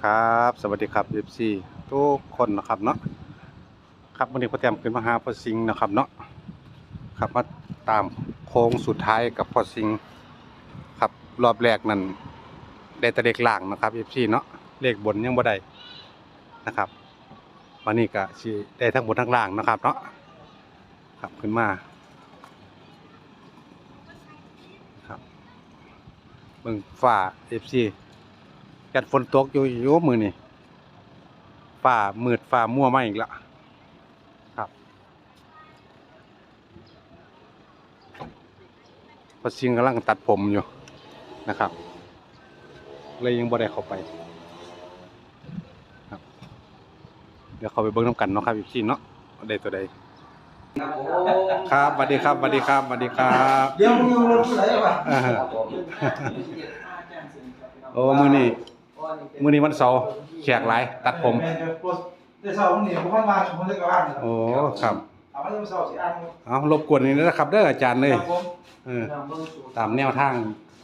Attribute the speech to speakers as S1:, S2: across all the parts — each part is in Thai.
S1: ครับสวัสดีครับ FC ทุกคนนะครับเนาะครับวันนี้พ่อแต้มขึ้นมาหาพ่อสิงห์นะครับเนาะครับมาตามโค้งสุดท้ายกับพ่อสิงห์ครับรอบแรกนั้นได้แต่เลขล่างนะครับ FC เนาะเลขบนยังบ่ได้นะครับวันนี้ก็สิได้ทั้งบนทั้งล่างนะครับเนาะครับขึ้นมาครับเบิ่งฟ้า FC จัดฝนตกอยู่มื้อนี้ฟ้ามืดฟ้ามัวมาอีกแล้วครับพอสิงกำลังตัดผมอยู่นะครับเลยยังบ่ได้เข้าไปครับเดี๋ยวเข้าไปเบิ่งน้ำกันเนาะครับอีกทีเนาะได้ตัวใดครับสวัสดีครับสวัสดีครับสวัสดีครับ
S2: เดี๋ยวมึงยังรถผู้ใดวะ
S1: โอ้มื้อนี้วันเสาร์แขกหลายตัดผม
S2: แม่เดี๋ยวรถเดี๋ยวเสาร์นี่ผมมาผมเลยกลับบ้าน
S1: โอ้ครับ
S2: เอามาเดี๋ยวเสาร์สิอ่าน
S1: เอารบกวนนี่นะครับเด้ออาจารย์เลย
S2: ครับผม
S1: เออตามแนวทาง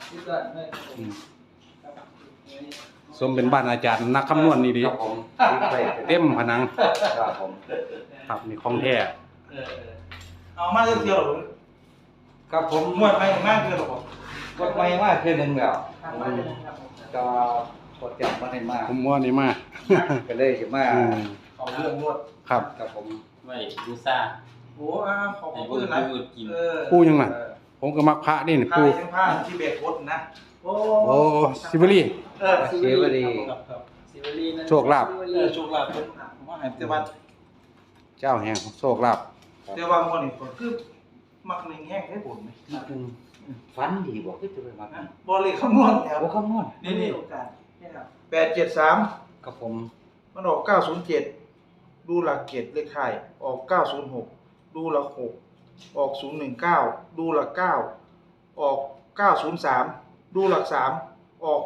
S1: สมเป็นบ้านอาจารย์นักคำนวณนี่ดี
S3: ครับผม
S1: เต็มผนัง
S3: ครับผม
S1: ครับนี่ของแท้
S2: เอามาเที่ยวหรอ
S3: ครับผม
S2: มวดไปมากเที่ยวหรอ
S3: กดไม่มากคือหนึ่งแล้วก็กดจับมาให้มาก
S1: ผมว่านี่มา
S3: ก็เลยจะมา
S1: อืม
S2: เอาเรื่องนวด
S1: ครับ
S3: ครับผม
S4: ไม่ดูซ่า
S2: โอ้อ้าวขอบ
S4: ให้
S2: คุ
S4: ผู้
S2: ณนะ
S4: อื่นกิน
S1: ปูยังไงผมก็มักพระนี่นี่
S2: ผ้า
S1: ปู
S2: ยังผ้าที่เบรกรถนะโอ้
S1: โอ้ซิเบอรี่
S3: เสียวดี
S2: ครับ
S4: ซิเวลีนะ
S1: โชคลาภ
S2: โชคลาภผมว่าให้แต่ว่า
S1: เจ้าแห่งโชคลาภ
S2: แต่ว่าคนนี้คนคือมักหนึ่งแห้งให้ผมไหม
S3: ฟันดีบอกที่จะไปมา
S2: บอลเลยคำนวณแล้ว
S3: โอ้คำนวณ
S2: นี่โอกาส873
S3: ครับผม
S2: มันออก907ดูหลักเกียรติเลขท้ายออก906ดูหลัก6ออก019ดูหลัก9ออก903ดูหลัก3ออก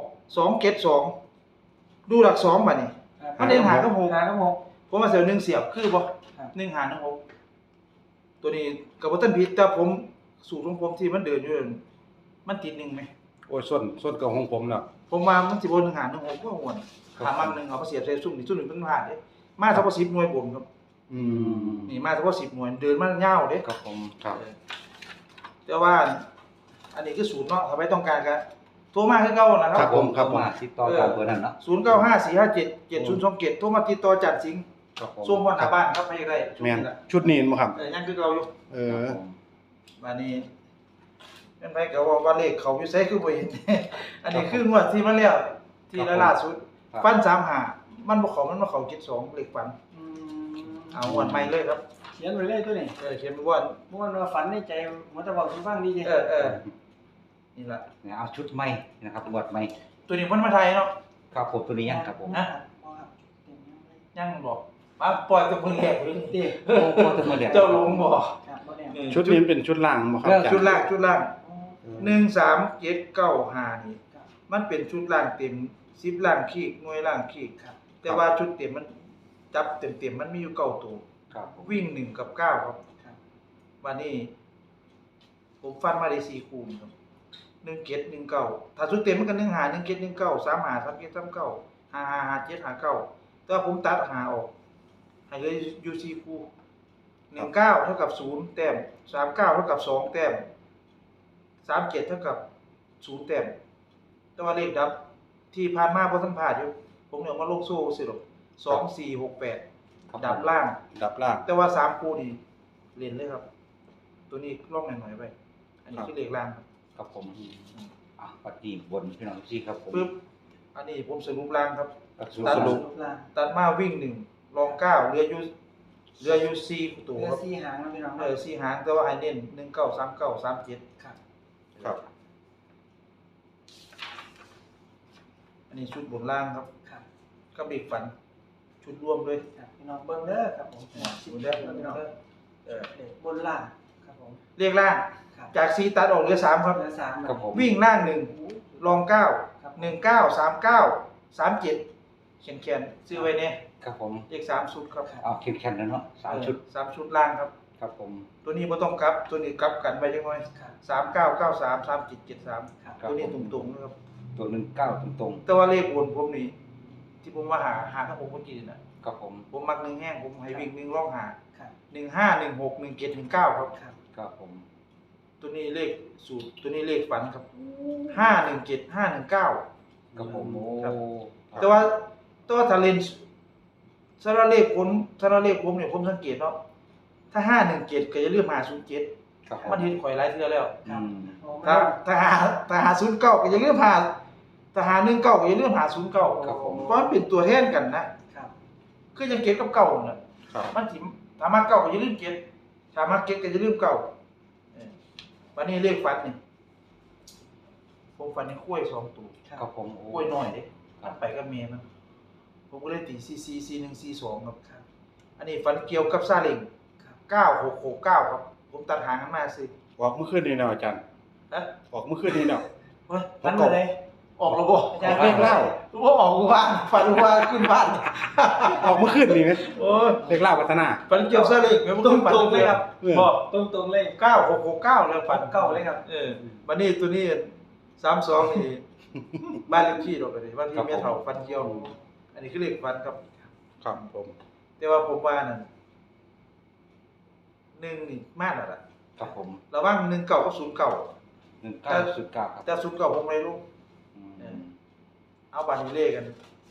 S2: 272ดูหลัก2บัดนี้มันเล่นหากับ6ผมมาเสีย1เสียบคือบ่1หาร6ตัวนี้ก็บ่ทันผิดแต่ผมสูตรของผมที่มันเดินอยู่นั่นมันติด1มั้ย
S1: โอ้ยส้นกับของผมแล้ว
S2: ผมว่ามันสิบ่1หาร6ก็ม่วนถามมัน1เอามาเสียบใส่ซุ่มนี่ซุ่มนี่มันผ่านเด้มาเฉพาะ10หน่วยบนครับ
S1: อืม
S2: นี่มาเฉพาะ10หน่วยเดินมายาวเด้
S3: ครับผม
S1: ครับ
S2: แต่ว่าอันนี้คือศูนย์เนาะถ้าไม่ต้องการก็โทรมาคือเก่านะค
S1: ครั
S2: รั
S1: บบ ผมครับผม
S3: มาติดต่อกับเบอร์นั้นเนาะ
S2: 0954577027โทรมาติดต่อจัดสิงห์
S3: ครับผม
S2: ส่งฮอดหน้าบ้านครับไปได้ช่วง
S1: แม่น
S2: นี้ล่ะ
S1: ชุดนี้บ่ครับ
S2: ยังคือเก่าอยู่
S1: เอ
S3: ค
S1: อ
S3: รับผม
S2: บัดนี้แม่นไปก็ว่าเลขเขาอยู่ไสคือบ่เห็น อันนี้คืองวดที่มาแล้วที่ล่าสุดฟัน35มันบ่เข้ามันมาเข้า72เลขฟันเอางวดใหม่เลยครับ
S4: เขียนไว้เลยตัวนี้
S2: เขียนไว้ว่า
S4: เมื่อวันว่าฝันในใจมันจะบอกคุณฟังดีจริง
S2: นี่ล่ะ
S3: เนี่ยเอาชุดใหม่นะครับบวดใหม่
S2: ตัวนี้มันมาไทยเนาะ
S3: ครับผมตัวนี้ยังครับผม
S2: นะยังบอกมาปล่อยกับมือแหกเลย
S4: เด็ก
S3: โอ้โหตัวมาเดียว
S2: เจ้าหลงบอก
S4: ครับบ่แน่
S2: นี่
S1: ชุดนี้เป็นชุดล่างบ่ครับอาจารย์
S2: ชุดล่าง13795นี่มันเป็นชุดล่างเต็ม10ล่างขีกหน่วยล่างขีกครับแต่ว่าชุดเต็มมันจับเต็มมันมีอยู่9ตัว
S3: ครับผม
S2: วิ่ง1กับ9ครับวันนี้ผมฟันมาได้4คู่ครับ1719ถ้าชุดเต็มมันก็151719 35 37 39 55 57 59แต่ว่าผมตัด5ออกให้เหลืออยู่4คู่19เท่ากับ0แต้ม39เท่ากับ2แต้ม37เท่ากับ0แต้มแต่ว่าเลขดับที่ผ่านมาบ่ทันผ่านอยู่ผมเนี่ยมาลงโซ่สิหรอก2 4 6 8ดับล่าง
S1: ดับล่าง
S2: แต่ว่า3คู่นี่เล่นเลยครับ ตัวนี้ล่องหน่อยๆไปอันนี้คือเลขล่างครับ
S3: ครับผมอ่ะปฏิบนพี่น้องที่ครับผม
S2: ปึ๊บอันนี้ผมสรุปล่างครับ
S1: สรุป
S2: ตัดมาวิ่ง1รอง9เหลืออยู่4ตัว
S4: เหลือ
S2: ครับ
S4: 4หางนะพี่น้อง
S2: 4หางแต่ว่าให้เน้น19 39 37
S4: ครับ
S1: ครับ
S2: อันนี้ชุดบนล่างครับ
S4: ครับ
S2: กับเด็กฝัน ชุดรวมด้วย
S4: ครับพี่น้องเบิ่งเด้อครับผม
S2: ชุดเด้อ
S4: พี่น้อง
S2: เออ
S4: เด็กบนล่างครับผม
S2: เลขล่าง
S4: ครับ
S2: จาก4ตัดออกเหลือ3ครับ
S4: เหลือ3
S3: ครับผม
S2: วิ่งล่าง1รอง9 19 39 37เขียนๆซื้อไว้เนี่ย
S3: ครับผม
S2: เลข3ชุดครับ
S3: เอาเข้มแข็งแล้วเนาะสามชุด
S2: 3ชุดล่างครับ
S3: ครับผม
S2: ตัวนี้บ่ต้องกลับ ตัวนี้กลับกันไปจังหน่อย
S4: ครับ
S2: 3993 3773
S4: ครับ
S2: ตัวนี้ตรงๆนะครับ
S3: ตัว19ตรง
S2: แต่ว่าเลขบนผมนี่ที่ผมว่าหาทั้งผมเมื่อกี้น่ะ
S3: ครับผม
S2: ผมมักหนึ่งแห้งผมให้วิ่งหนึ่งร่องหา
S4: ครับ
S2: 15 16 17 19ครับ
S4: ครับ
S3: ครับผม
S2: ตัวนี้เลขสูตรตัวนี้เลขฝันครับ517 519
S3: ครับผมโอ้
S2: ครับ แต่ว่าถ้าเล่นสำหรับเลขผมเนี่ยผมสังเกตเนาะถ้า517ก็อย่าลืม507
S3: ครับผ
S2: มันเห็นข่อยหลายเทื่อแล้ว
S3: อืม
S2: ถ้าหา09ก็อย่าลืมหาถ้าหา19ก็อย่าลืมหา09
S3: ครับผม
S2: เพราะมันเป็นตัวแทนกันนะครับ คือยังเก็บกับเก่าน่ะ
S1: ครับ
S2: มันสิถ้ามาเก่าก็อย่าลืมเก็บถ้ามาเก็บก็อย่าลืมเก่าวันนี้เลขฝันนี่ผมฝันในกล้วย2ตัว
S3: ครับผมโอ้
S2: กล้วยน้อยเด้มันไปกับเมียมันผมก็เลยตี444142ครับ
S4: ครับ
S2: อันนี้ฝันเกี่ยวกับซาเล้ง
S4: ครับ
S2: 9669ครับผมตัดหางกันมาสิ
S1: ออกเมื่อคืนนี้เนาะอาจารย์
S2: ฮะ
S1: ออกเมื่อคืนนี้เนาะ
S2: เฮ้ย
S4: ฝันมาเลย
S2: ออกแล้วบ่
S4: อาจารย์
S1: เลขเล่า
S2: ว่าออกกูบ้านฝันว่าขึ้นบ้าน
S1: ออกเมื่อคืนนี้นะ
S2: โอ้ย
S1: เลขเล่าพัฒนา
S2: ฝันเกี่ยวซาเล้งแม่บ่ต้องฝัน
S4: ตรงๆเลยครับ
S2: บ่
S4: ตรงๆเลย
S2: 9669แล้วฝัน
S4: เก้าเลยครับ
S2: วันนี้ตัวนี้32นี่ บ้านเลขที่ดอกเลยบ้านที่แม่เฒ่าฝันเกี่ยว อันนี้คือเลขฝันครับ
S1: ครับผม
S2: แต่ว่าผมว่านั่น1นี่มากแล้วล่ะ
S3: ครับผม
S2: ระหว่าง19กับ09
S3: 1909ครับ
S2: แต่09ผมไม่รู้
S3: อืม
S2: เอาบัตรนี้เลขกัน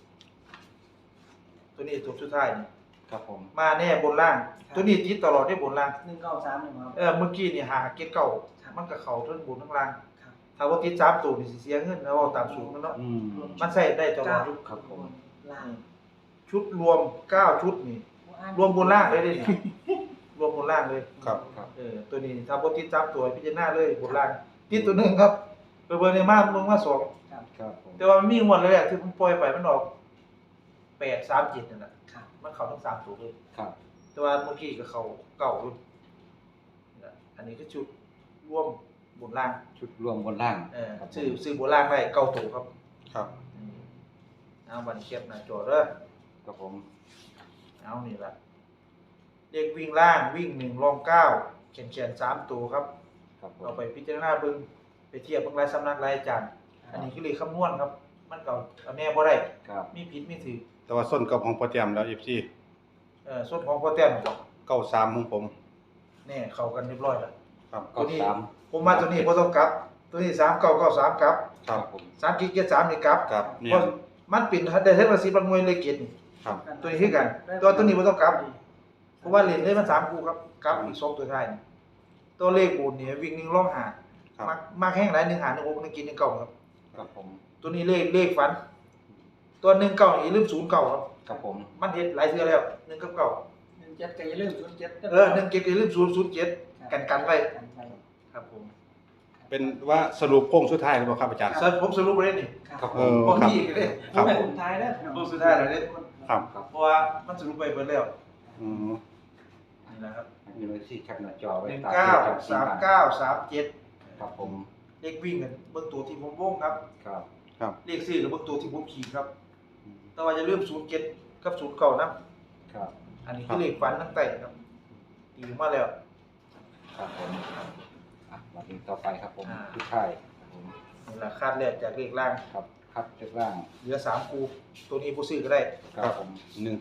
S2: ตัวนี้ตัวสุดท้ายนี่
S3: ครับผม
S2: มาแน่บนล่าง ตัวนี้ติดตลอดได้บนล่าง
S4: 1931ครับ
S2: เมื่อกี้นี่หาเก็ตเก่า
S4: ครับ
S2: มันก็เข้าทั้งบนทั้งล่าง
S4: ครับ
S2: ถ้าว่าติด3ตัวนี่สิเสียเงินแล้วเอาตามสูตรมันเนาะ
S3: อืม
S2: มันใช้ได้ตลอดทุก
S3: ครับผม
S4: ล่าง
S2: ชุดรวม9ชุดนี่ รวมบนล่างเลยเด้นี่ รวมบนล่างเลย
S1: ครับ
S3: ครับ
S2: ตัวนี้ถ้าบ่ติด3ตัวพิจารณาเลยบนล่างติดตัวหนึงครับเบอร์ในมามึงมา2
S4: ครับ
S3: ครับผม
S2: แต่ว่ามันมีงวดแรกที่ผมปล่อยไปมันออก837นั่นน่ะ
S4: ครับ
S2: มันเข้าทั้ง3ตัวเลย
S3: ครับ
S2: แต่ว่าเมื่อกี้ก็เขาเก่าอยู่นะอันนี้คือชุดร่วมบนล่าง
S3: ชุดรวมบนล่าง ครับผม
S2: ซื้อบนล่างได้เก่าตัวครับ
S1: ครับ
S2: เอาบันเทียบหน้าจอเด้อ
S3: ครับผม
S2: เอานี่ละเรียกวิ่งล่างวิ่ง1รอง9เขียน3ตัวครับ
S3: ครับผม
S2: เราไปพิจารณาเบิ่งไปเทียบเบิ่งรายสำนักรายอาจารย์ อันนี้คือเลขคำนวณครับ มันก็เอาแน่บ่ได้
S3: ครับ
S2: มีผิดมีถูก
S1: แต่ว่าส้นกับของพ่อแต้มแล้ว FC
S2: ส่วนของพ่อแต้มก็
S1: 93ของผม
S2: แน่เข้ากันเรียบร้อยแล้ว
S1: ครับ
S2: ตัวนี้
S3: 93
S2: ผมมาตัวนี้บ่ต้องกลับ ตัวนี้3993กลับ
S1: ครับ
S3: ผม
S2: 3กิกเกียร์3นี่กลับ
S1: ครับเนี่ย
S2: เพราะมันเป็นได้เทคโนโลยีบางหน่วยเลยเกตนี่
S1: ครับ
S2: ตัวนี้คือกันตัวนี้บ่ต้องกลับ เพราะว่าเลนได้มัน3คู่ครับกลับอีก2ตัวท้ายนี่ตัวเลขบูนนี่วิ่ง1ร่องหา
S1: ครับ
S2: มักแห้งหลาย1หา1 6 1กิน1 9ครับ
S3: ครับผม
S2: ตัวนี้เลขฝัน ตัว1 9นี่ลืม0 9ครับ
S3: ครับผม
S2: มันเฮ็ดหลายเทื่อแล้ว1กับ9
S4: 17ก็อย่าลืม07
S2: 1 7ก็ลืม0 0 7กันไว้
S4: กันไป
S2: ครับผม
S1: เป็นว่าสรุปโค้งสุดท้ายหรือเปล่าครับอาจารย์
S2: ผมสรุปไว้นี่
S3: ครับผ
S1: เอ
S3: ม
S1: อ
S2: บ่มีอีกเลย
S1: ครับ
S4: ผมท้ายแล้ว
S2: ผมสุดท้ายแล้วเด้
S1: ครับ
S3: ครับ
S2: เพราะว่ามันสรุปไปเบิดแล้ว
S1: อืม
S2: นี่แหละครับ
S3: มีไว้ที่แคปหน้าจอไว้
S2: 1
S3: ตาม
S2: 9
S3: ที่จำ
S2: 3
S3: ได้
S2: 9 3 7
S3: ครับผม
S2: เลขวิ่งกันเบิ่งตัวที่ผมวงครับ
S3: ครับ
S1: ครับ
S2: เลข4กับเบิ่งตัวที่ผมขีดครับ แต่ว่าอย่าลืม07กับ09นะครับ อันนี้คือเลขฝันตั้งแต่ครับตีมาแล้ว
S3: ครับผมอ่ะมาถึงต่อไปครับผม
S2: อ่า
S3: ทุกท่ายครับผม
S2: นี่แหละคาดแรกจากเลขล่าง
S3: ครับคัดจากล่าง
S2: เหลือ3คู่ตัวนี้ผู้ซื้อก็ได้
S3: ครับผม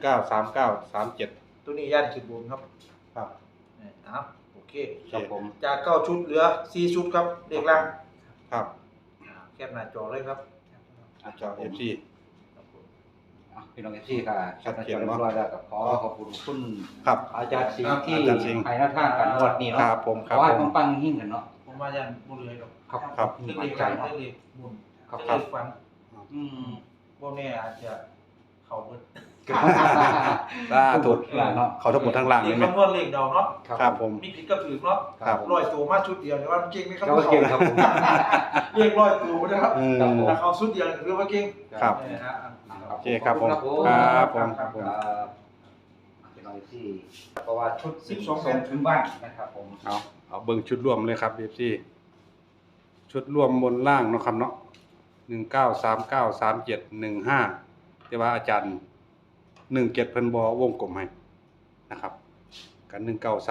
S1: 193937
S2: ตัวนี้ย่านขึ้นบนครับ
S1: ครับ
S2: เอาโอเค
S3: ครับผม
S2: จาก9ชุดเหลือ4ชุดครับเลขล่าง
S1: ครับ
S2: แคปหน้าจอเลยครับ
S1: จอ FC
S2: ครับผม
S3: อ่ะพี่น้องที่ค่ะ
S1: ชัดเจน
S3: เรียบร้อยแล้วก็ขอขอบคุณคุณ
S1: ครับ
S3: อาจารย์สิง
S1: ครับ
S3: ห์ที่
S1: อาจารย์สิงห์
S3: ให้หน้าทางกันงวดนี้เนาะ
S1: ครับผมค
S3: ข
S1: รับ
S3: อให้
S1: ผม
S3: ปังๆยิ่งกันเนาะ
S2: ผมว่าย่านบ่เหลือครับ
S3: ครับ
S1: ครับ
S2: เรื่อง
S3: มั่
S2: เล
S3: น
S2: ข
S3: ใจ
S2: ล่าง
S3: เนาะ
S2: เรื่องเลขบุญ
S3: ครับ
S2: เรื่องเลขฝัน
S3: อืม
S2: บ่แน่อาจจะเข้าเบิด
S1: สาธุ
S3: ล่างเนาะ
S1: เขาทั้งหมดทั้งล่าง
S2: เล
S1: เล
S2: ข
S1: ยไหม
S2: คำนวณเลขเดาเนาะ
S1: ครับผม
S2: มีผิดก็ถูกเนาะ
S1: ครับ
S2: ร้อยตัวมาชุดเดียวเนี่ยว่ามันเก่งไหมครับ
S3: ก็เก่งครับผม
S2: เรียกร้อยตัวนะครับ
S1: อืม
S3: ครับผม
S2: ถ้าเขาชุดเดียวคือว่าเก่ง
S1: ครับ โอเคครับผมครับผม
S3: ครับพี่น้องที่เพราะว่าชุด12ส่งถึงบ้านนะครับผม
S1: เอาเบิ่งชุดรวมเลยครับ FC ชุดรวมบนล่างเนาะครับเนาะ19393715แต่ว่าอาจารย์17เพิ่นบ่วงกลมให้นะครับกัน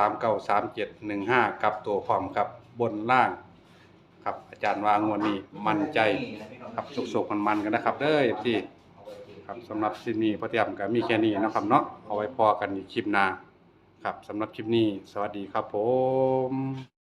S1: 19393715กับตัวพร้อมครับบนล่าง ครับอาจารย์ว่างวดนี้มั่นใจครับสุกๆมันๆกันนะครับเด้อ FC
S3: เอาไว้ที่
S1: ครับสำหรับคลิปนี้พ่อเตรียมก็มีแค่นี้เนาะครับเนาะเอาไว้พอกันอีกคลิปหน้าครับสำหรับคลิปนี้สวัสดีครับผม